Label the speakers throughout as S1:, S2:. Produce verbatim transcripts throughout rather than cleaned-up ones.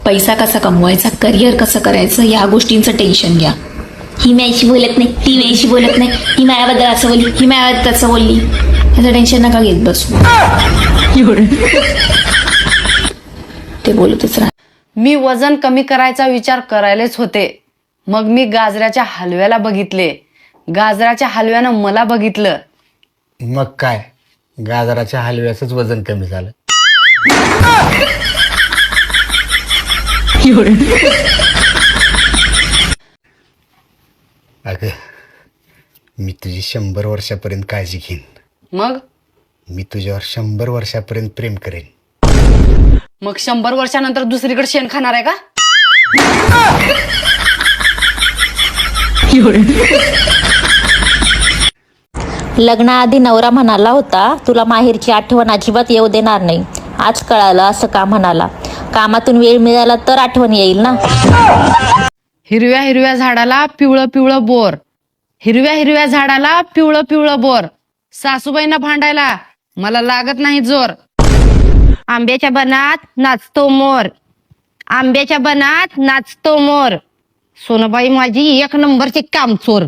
S1: पैसा कसा कमवायचा, करिअर कसं करायचं, या गोष्टींचं टेन्शन घ्या. ही माझ्याशी बोलत नाही, ती माझ्याशी बोलत नाही, ही माझ्याबद्दल असं बोलली, ही माझ्याबद्दल तसं बोलली, याचं टेन्शन नका घेत बसू. ते बोलतच राहा.
S2: मी वजन कमी करायचा विचार करायलाच होते, मग मी गाजराच्या हलव्याला बघितले, गाजराच्या हलव्यानं मला बघितलं.
S3: मग काय, गाजराच्या हलव्याचंच वजन कमी झालं. अगं, मी तुझी शंभर वर्षापर्यंत काळजी घेईन.
S2: मग
S3: मी तुझ्यावर शंभर वर्षापर्यंत प्रेम करेन.
S2: मग शंभर वर्षानंतर दुसरीकडे शेण खाणार आहे का?
S4: लग्नाआधी नवरा म्हणाला होता, तुला माहेरची आठवण अजिबात येऊ देणार नाही. आज कळालं असं का म्हणाला. कामातून वेळ मिळाला तर आठवण येईल ना.
S2: हिरव्या हिरव्या झाडाला पिवळं पिवळं बोर, हिरव्या हिरव्या झाडाला पिवळं पिवळं बोर, सासूबाईंना भांडायला मला लागत नाही जोर. आंब्याच्या बनात नाचतो मोर, आंब्याच्या बनात नाचतो मोर, सोनबाई माझी एक नंबरची कामचोर.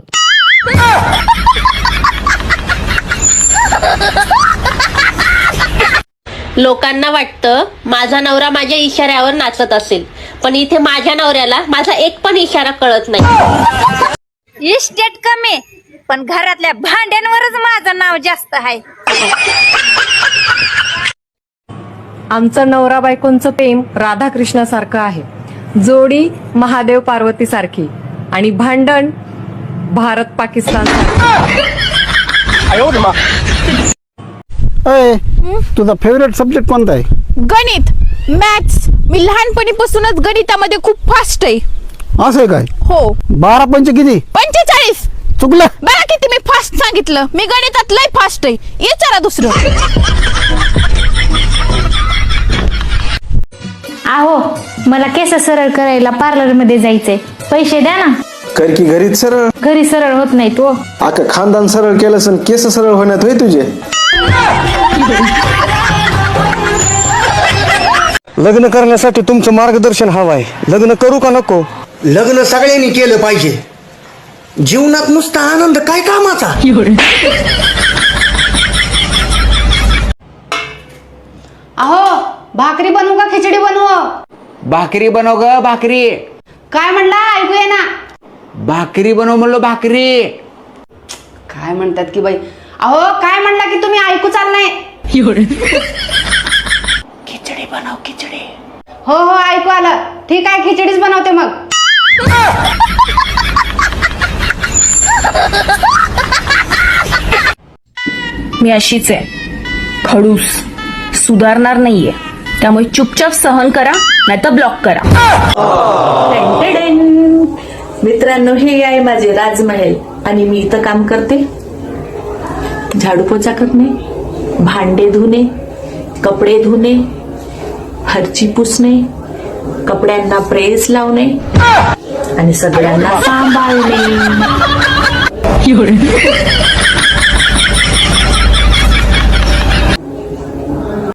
S4: लोकांना वाटतं माझा नवरा माझ्या इशाऱ्यावर नाचत असेल, पण इथे माझ्या नवऱ्याला माझा एक पण इशारा कळत नाही.
S5: इस्टेट कमी, पण घरातल्या भांड्यांवरच माझं नाव जास्त आहे.
S6: आमचं नवरा बायकोंचं प्रेम राधाकृष्णासारखं आहे, जोडी महादेव पार्वती सारखी, आणि भांडण भारत पाकिस्तान.
S7: तुझा फेवरेट सब्जेक्ट कोणता आहे?
S8: गणित, मॅथ्स. मी लहानपणीपासूनच गणितामध्ये खूप फास्ट आहे.
S7: असं आहे काय?
S8: हो.
S7: बारा पंच किती?
S8: पंचेचाळीस.
S7: चुकलं.
S8: बघा किती मी फास्ट सांगितलं. मी गणितात लय फास्ट आहे. विचारा दुसरं.
S9: आहो, मला केस सरळ करायला पार्लर मध्ये जायचंय, पैसे द्या ना.
S10: कर की घरीच सरळ.
S9: घरी सरळ होत नाही तो.
S10: आका खानदान सरळ केलं सण केस सरळ होण्यात होय तुझे. लग्न करण्यासाठी तुमचं मार्गदर्शन हवं आहे. लग्न करू का नको?
S3: लग्न सगळ्यांनी केलं पाहिजे. जीवनात नुसता आनंद काय कामाचा.
S2: अहो, भाकरी बनवू का खिचडी बनवू?
S11: भाकरी बनव ग भाकरी.
S2: काय म्हणला, ऐकू ये ना.
S11: भाकरी बनव म्हणलो, भाकरी.
S2: काय म्हणतात की बाई. अहो, काय म्हणला की तुम्ही ऐकू चाल नाही.
S11: खिचडी बनव, खिचडी.
S2: हो हो, ऐकू आलं. ठीक आहे, खिचडीच बनवते मग.
S1: मी अशीच आहे, खडूस, सुधारणार नाहीये. त्यामुळे चुपचाप सहन करा, नाही तर ब्लॉक करा.
S12: मित्रांनो, हे आहे माझे राजमहल, आणि मी इथं काम करते. झाडू पोछा करणे, भांडे धुणे, कपडे धुणे, फरची पुसणे, कपड्यांना प्रेस लावणे, आणि सगळ्यांना सांभाळणे.